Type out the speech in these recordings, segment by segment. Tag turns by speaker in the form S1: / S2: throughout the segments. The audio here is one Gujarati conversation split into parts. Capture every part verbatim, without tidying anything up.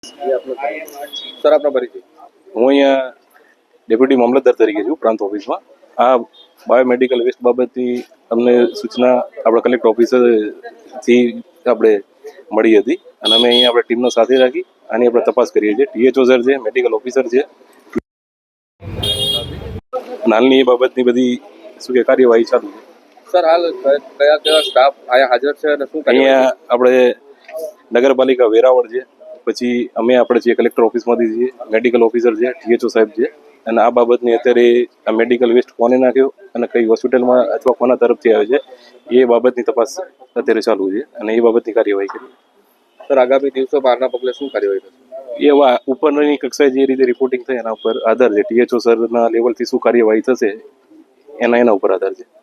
S1: સર આપનો પરિચય.
S2: હું અહીંયા ડેપ્યુટી મામલતદાર તરીકે છું પ્રાંત ઓફિસમાં. આ બાયોમેડિકલ વેસ્ટ બાબતની અમને સૂચના આપણા કલેક્ટર ઓફિસરથી આપણે મળી હતી અને અમે અહીંયા આપણે ટીમનો સાથે રાખી આની આપણે તપાસ કરીએ છીએ. ટીએચઓ સર છે, મેડિકલ ઓફિસર છે, નાની એ બાબતની બધી શું કે કાર્યવાહી ચાલુ છે.
S1: સર હાલ કયા કયા સ્ટાફ અહીંયા હાજર છે અને શું
S2: અહીંયા આપણે નગરપાલિકા વેરાવળ છે, પછી અમે આપણે જે કલેક્ટર ઓફિસમાંથી છીએ, મેડિકલ ઓફિસર છે, ટીએચઓ સાહેબ છે અને આ બાબતની અત્યારે આ મેડિકલ વેસ્ટ કોને નાખ્યો અને કઈ હોસ્પિટલમાં અથવા કોના તરફથી આવે છે એ બાબતની તપાસ અત્યારે ચાલુ છે અને એ બાબતની કાર્યવાહી કરી.
S1: સર આગામી દિવસો બહારના પગલે શું કાર્યવાહી થશે?
S2: એવા ઉપરની કક્ષાએ જે રીતે રિપોર્ટિંગ થાય એના ઉપર આધાર છે. ટીએચઓ સરના લેવલથી શું કાર્યવાહી થશે એના એના ઉપર આધાર છે.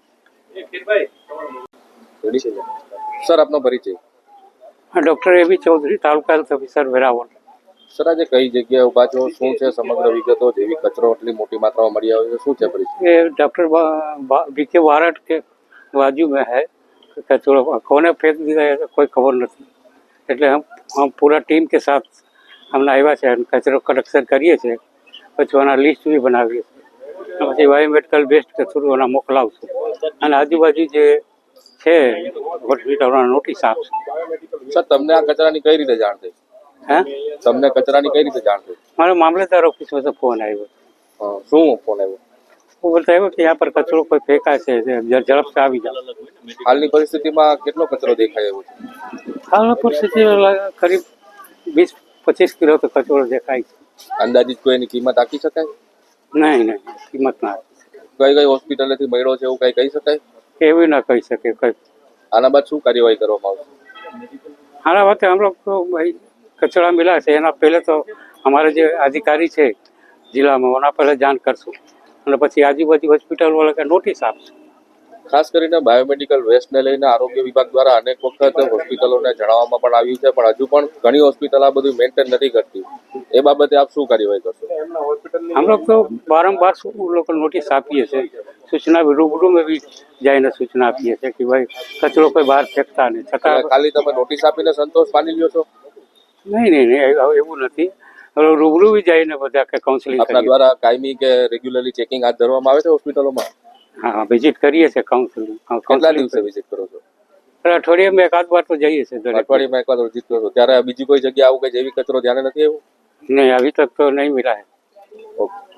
S1: સર આપનો પરિચય.
S3: Doctor AB Chaudhary, taluka health officer Veraval.
S1: Sir આજે કઈ જગ્યાએ ઉભા છો, શું છે સમગ્ર વિગતો? જેવી કચરો એટલી મોટી માત્રામાં મળી આવ્યો છે, શું છે પરિચય?
S3: ये डॉक्टर बीके वारट के बाजू में है कचरा, कोने फेंक दिया है कोई खबर नहीं. એટલે हम हम पूरा टीम के साथ હમણાં આવ્યા છે અને કચરો કલેક્શન કરીએ છીએ, પછી એના લિસ્ટ બી બનાવીએ છીએ, પછી બાયોમેડિકલ વેસ્ટ કચરો એના મોકલાવશું અને આજુબાજુ જે છે હોસ્પિટલના નોટિસ આપશે.
S1: સર તમને આ કચરાની કઈ રીતે જાણ થઈ?
S3: હે
S1: તમને કચરાની કઈ રીતે જાણ થઈ?
S3: મારા મામલતદાર ઓફિસમાં તો ફોન આવ્યો.
S1: હા, શું ફોન આવ્યો?
S3: वो बोलता है कि यहाँ पर कचरो कोई फेंका है, झड़प से આવી જાઓ.
S1: હાલની પરિસ્થિતિમાં કેટલો કચરો દેખાય એવો છે?
S3: હાલની પરિસ્થિતિ કરીબ વીસ પચીસ કિલો તો કચરો દેખાય છે.
S1: અંદાજિત કોઈ એની કિંમત આંકી શકાય?
S3: નહીં નહીં કિંમત ના
S1: કઈ કઈ હોસ્પિટલેથી મળ્યો છે એવું કઈ કહી શકાય?
S3: એવી ના કહી શકે કઈ.
S1: આના બાદ શું કાર્યવાહી કરવામાં આવશે?
S3: हालांकि बात हम लोग को भाई कचरा मिला है ना, पहले तो हमारे जो अधिकारी છે जिला में वहाँ पहले जान करશું અને પછી આજુબાજુ હોસ્પિટલ વાળા કે નોટિસ આપશું.
S1: ખાસ કરીને બાયોમેડિકલ વેસ્ટને લઈને આરોગ્ય વિભાગ દ્વારા અનેક વખત હોસ્પિટલોને જણાવવામાં પણ આવ્યું છે, પણ હજુ પણ ઘણી હોસ્પિટલ આ બધું મેન્ટેન નથી કરતી. એ બાબતે આપ શું કાર્યવાહી કરશો?
S3: हम लोग तो बारम्बार लोग को नोटिस આપીએ છીએ, સૂચના રૂબરૂ में भी જઈને સૂચના આપીએ છીએ કે ભાઈ કચરો કોઈ બહાર ફેંકતા નહીં. છતાં
S1: ખાલી તમે નોટિસ આપીને સંતોષ માની લ્યો છો?
S3: નહીં નહીં નહીં એવું નથી. હવે રૂબરૂ બી જઈને બધા કે કાઉન્સેલિંગ
S1: આપના દ્વારા કાયમી કે રેગ્યુલરલી ચેકિંગ હાથ ધરવામાં આવે છે હોસ્પિટલોમાં?
S3: હા, વિઝિટ કરીએ છીએ કાઉન્સેલિંગ.
S1: કેટલા દિવસે વિઝિટ કરો છો?
S3: અઠવાડિયામાં એકાદ વાર તો જઈએ છીએ.
S1: અઠવાડિયામાં એક વાર વિઝિટ કરો છો ત્યારે બીજી કોઈ જગ્યા આવું કે જેવી કચરો ધ્યાને નથી આવ્યું?
S3: નહીં, અભી તક તો નહીં મિલા હૈ.
S1: ઓકે.